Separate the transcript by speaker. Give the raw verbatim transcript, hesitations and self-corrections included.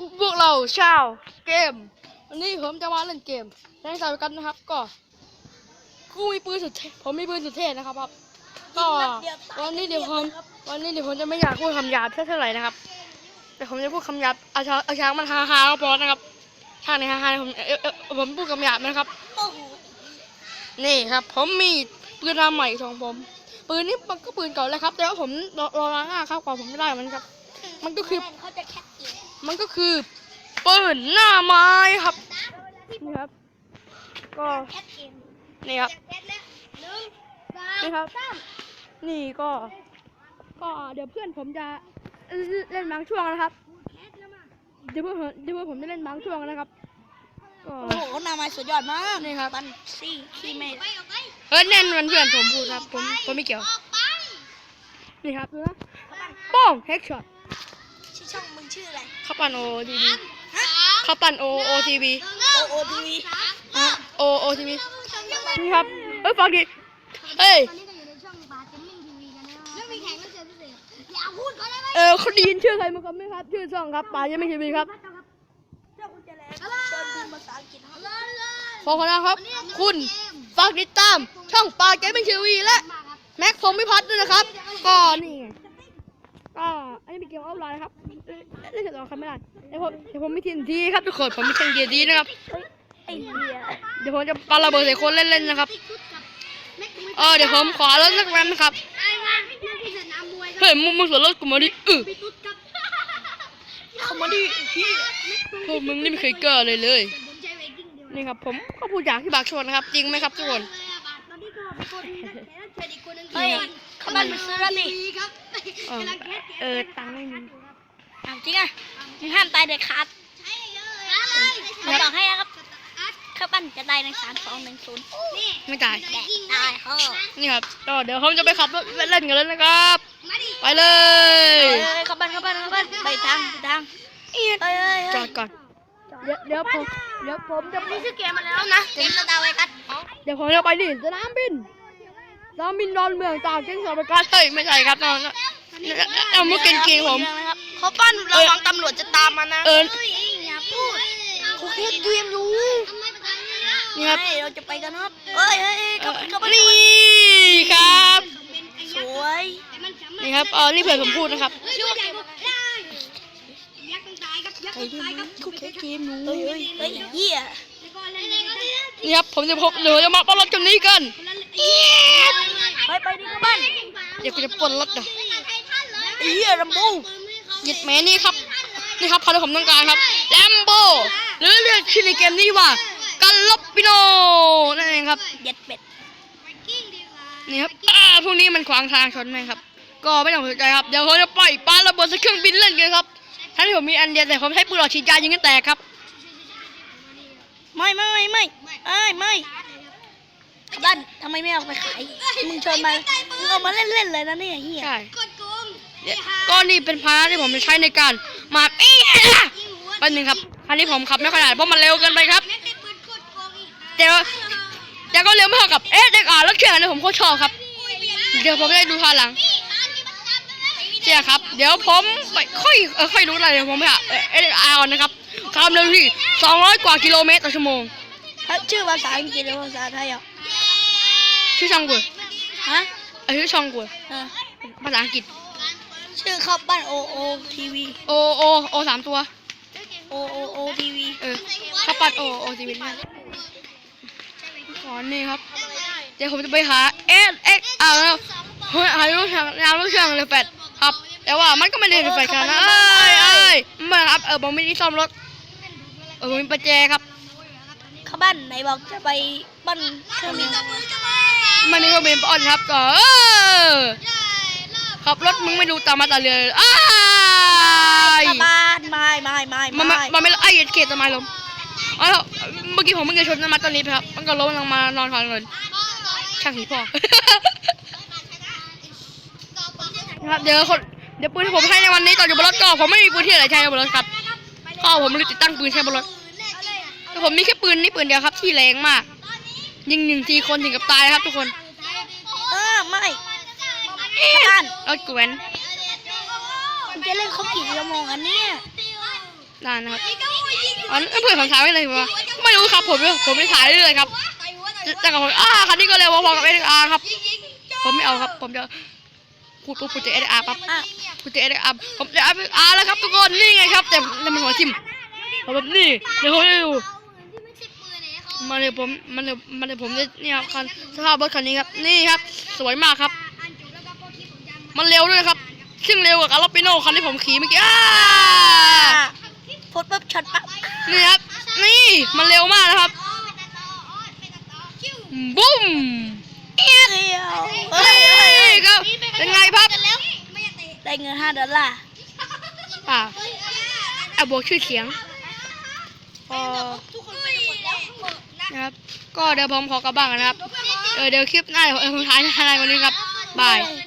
Speaker 1: พวกเราชาวเกมวันนี้ผมจะมาเล่นเกมในสายกันนะครับก็กูมีปืนสุดเท่ผมมีปืนสุดเท่นะครับครับก็วันนี้เดี๋ยวผมวันนี้เดี๋ยวผมจะไม่อยากพูดคำหยาบเท่าไหร่นะครับแต่ผมจะพูดคำหยาบอาชาอาชามันฮาฮาก็พอนะครับทางในฮาฮาผมเออผมพูดคำหยาบนะครับนี่ครับผมมีปืนลำใหม่ของผมปืนนี้มันก็ปืนเก่าแล้วครับแต่ว่าผมรอรอล้างหน้าครับกว่าผมไม่ได้มันครับมันก็คือมันก็คือปืนหน้าไม้ครับนี่ครับก็นี่ครับนี่ครับนี่ก็ก็เดี๋ยวเพื่อนผมจะเล่นบางช่วงนะครับเดี๋ยวเพื่อนเดี๋ยวเพื่อนผมจะเล่นบางช่วงนะครับก็
Speaker 2: โอ้โหหน้าไม้สุดยอดมาก
Speaker 1: นี่ครับ
Speaker 2: บันซี่ขี้เมฆ
Speaker 1: เออแน่นมันเพื่อนผมพูดครับผมผมไม่เกี่ยวนี่ครับดูนะป้องเฮกช็อต
Speaker 2: ชื่อช่องมึงชื่ออะไร
Speaker 1: ข้าวปั้นโอทีวีข้าวปั้นโอโอทีวี
Speaker 2: โอโอทีวี
Speaker 1: โอโอทีวีนี่ครับเอ้ยฟังดิเฮ้ยเออเขาได้ยินชื่อใครมั้งครับไหมครับชื่อช่องครับป่ายังไม่ทีวีครับขอบคุณนะครับคุณฝากติดตามช่องป่าเกมมิ่งทีวีและแม็กพงพิพัฒน์ด้วยนะครับก็นี่ก็อันนี้เป็นเกมออฟไลน์ครับเล่นเสร็จแล้วครับไม่ได้เดี๋ยวผมเดี๋ยวผมไม่ทีนทีครับทุกคนผมมีเทคนิคดีนะครับเดี๋ยวผมจะปาระเบิดใส่คนเล่นๆนะครับเออเดี๋ยวผมขอรถสักแรมนะครับเฮ้ยมึงมึงสวนรถกูมาดิเออเขามาดิพี่พวกมึงนี่ไม่เคยเกิดเลยเลยนี่ครับผมก็พูดอย่างที่บากชวนนะครับจริงไหมครับทุกคน
Speaker 2: เฮ้ยเขาบ้านมึงซื้อแล้วนี่
Speaker 1: เออตังค์ไม่มี
Speaker 2: จริงอ่ะมึงห้ามตายเด็ดขาดเขาบอกให้นะครับข้าปั้นจะตายในสามสองหนึ่งศูนย์
Speaker 1: ไม่ตาย
Speaker 2: ตายพ่อ
Speaker 1: นี่ครับก็เดี๋ยวผมจะไปขับรถเล่นกันเลยนะครับไปเลย
Speaker 2: ข้าปั้นข้าปั้นข้าปั้นไปทางไปทาง
Speaker 1: จอดก่อนเดี๋ยวเดี๋ยวผมเดี๋ยวผมจะ
Speaker 2: นี่ชื่อเกมมาแล้วนะเกมสตาร์ไวกัส
Speaker 1: เดี๋ยวผมจะไปดิสนามบินสนามบินดอนเมืองตากเก่งสอบประกาศเฮ้ยไม่ใช่ครับน้องเอามุกเก่งๆผม
Speaker 2: เขาปั้นระวังตำรวจจะตามมานะ
Speaker 1: เออ
Speaker 2: อย่าพูดเขาแค่เกมอยู่
Speaker 1: นี่ครับ
Speaker 2: เราจะไปกันครับเอ้ยเฮ้ยเขาไป
Speaker 1: นี่ครับ
Speaker 2: สวย
Speaker 1: นี่ครับเออนี่เพื่อนผมพูดนะครับ
Speaker 2: ใครดูเขาแค่เกมอยู่เฮ้ยเฮ้ยเฮ้ยเหี้ย
Speaker 1: นี่ครับผมจะพบเดี๋ยวจะมาปล้นรถกันนี้กัน
Speaker 2: ไปไปดิครับบ้าน
Speaker 1: เดี๋ยวกูจะปล้นรถเดี๋ยว
Speaker 2: เหี้ยลัมโบ
Speaker 1: หยิบแม่นี่ครับนี่ครับพาที่ผมต้องการครับแลมโบหรือเรียกชื่อในเกมนี้ว่ากันลบปิโนนั่นเองครับ
Speaker 2: เย็ดเป็ด
Speaker 1: นี่ครับพวกนี้มันขวางทางชนไหมครับก็ไม่ต้องสนใจครับเดี๋ยวเขาจะปล่อยปาระเบิดใส่เครื่องบินเล่นกันครับถ้าที่ผมมีอันเดียวแต่ผมใช้ปืนหลอดฉีดยายิงกันแตกครับ
Speaker 2: ไม่ไม่ไม่ไม่เอ้ยไม่บ้านทำไมไม่เอาไปขายมึงชวนมามึงเอามาเล่นเล่นเลยนะเนี่ยเฮีย
Speaker 1: ใช่ก็นี่เป็นพาที่ผมจะใช้ในการมาเอ๊ะเป็นหนึ่งครับคันนี้ผมขับไม่ค่อยได้เพราะมันเร็วเกินไปครับแต่ว่าแต่ก็เร็วไม่เท่ากับเอ๊ะเด็กอ่านรถเข็นเลยผมโคตรชอบครับเดี๋ยวผมได้ดูทางหลังเจ้าครับเดี๋ยวผมไปค่อยเออค่อยรู้อะไรเดี๋ยวผมไปหาเอเออาร์นะครับความเร็วที่สองร้อยกว่ากิโลเมตรต่อชั่วโมง
Speaker 2: ชื่อภาษาอังกฤษหรือภาษาไทยอ่ะ
Speaker 1: ชื่อช่องกู
Speaker 2: ฮะ
Speaker 1: เออชื่อช่องกูภาษาอังกฤษ
Speaker 2: ชื่อข้าวปั้นโอโอทีวี
Speaker 1: โอโอโอสามตัว
Speaker 2: โอโอโอทีวี
Speaker 1: เออข้าวปั้นโอโอทีวีนี่ก่อนนี่ครับเดี๋ยวผมจะไปหาเอสเอ็กอาร์แล้วหาลูกช่างหาลูกช่างเลยแปดครับแต่ว่ามันก็ไม่ได้เลยแปดขนาดนั้นเอ้ยเอ้ยมาครับเออผมไม่ได้ซ่อมรถเออผมมีประแจครับ
Speaker 2: ข้าวปั้นไหนบอกจะไปปั้นเครื่องบิน
Speaker 1: มันนี่ก็เป็นป้อนครับก็ขับรถมึงไม่ดูตามมาตาเรืออ้าย
Speaker 2: บ้านไม่ไม่ไม่
Speaker 1: มันมันไม่ไอ้เขตทำไมล้มอ๋อเมื่อกี้ผมเพิ่งจะชนน้ำมันตอนนี้ครับมันก็ล้มลงมานอนคอนเลยช่างหีพ่อครับเดี๋ยวคนเดี๋ยวปืนที่ผมให้ในวันนี้ต่ออยู่บนรถก็ผมไม่มีปืนที่ไหนใช้บนรถครับพ่อผมเลยติดตั้งปืนใช้บนรถแต่ผมมีแค่ปืนนี่ปืนเดียวครับที่แรงมากยิงหนึ่งทีคนถึงกับตายครับทุกคน
Speaker 2: เออไม่บ้าน
Speaker 1: รถกวน
Speaker 2: คุณจะเล่นเขากี่ชั่วโมงอันเนี้ย
Speaker 1: นานนะครับอันนั้นเพื่อนผมถ่ายไว้เลยว่าไม่รู้ครับผมผมไม่ถ่ายเรื่อยๆครับแต่กับผมอ่าคันนี้ก็เร็วพอๆกับเอสอาร์ครับผมไม่เอาครับผมจะพูดปุ๊บพูดจะเอสอาร์ครับ
Speaker 2: อ่ะ
Speaker 1: พูดจะเอสอาร์ผมจะเอสอาร์แล้วครับทุกคนนี่ไงครับแต่แต่มันหัวทิ่มผมแบบนี่เดี๋ยวผมจะดูมาเลยผมมันเลยมันเลยผมเนี่ยนี่ครับคันสภาพรถคันนี้ครับนี่ครับสวยมากครับมันเร็วด้วยครับซึ่งเร็วกว่าคาร์ลปิโน่คันที่ผมขี่เมื่อกี้อ้า
Speaker 2: พูดปุ๊บช็อตปั๊บ
Speaker 1: นี่ครับนี่มันเร็วมากนะครับบุ้ม
Speaker 2: เดียวเฮ้ยเฮ้ย
Speaker 1: นี่ครับเป็นไงครับ
Speaker 2: ได้เงินห้าดอลลาร์
Speaker 1: อ่าเอาบวกชื่อเสียงพอนะครับก็เดี๋ยวผมขอกลับบ้านกันนะครับเออเดี๋ยวคลิปหน้าเดี๋ยวผมถ่ายให้ในวันนี้ครับบาย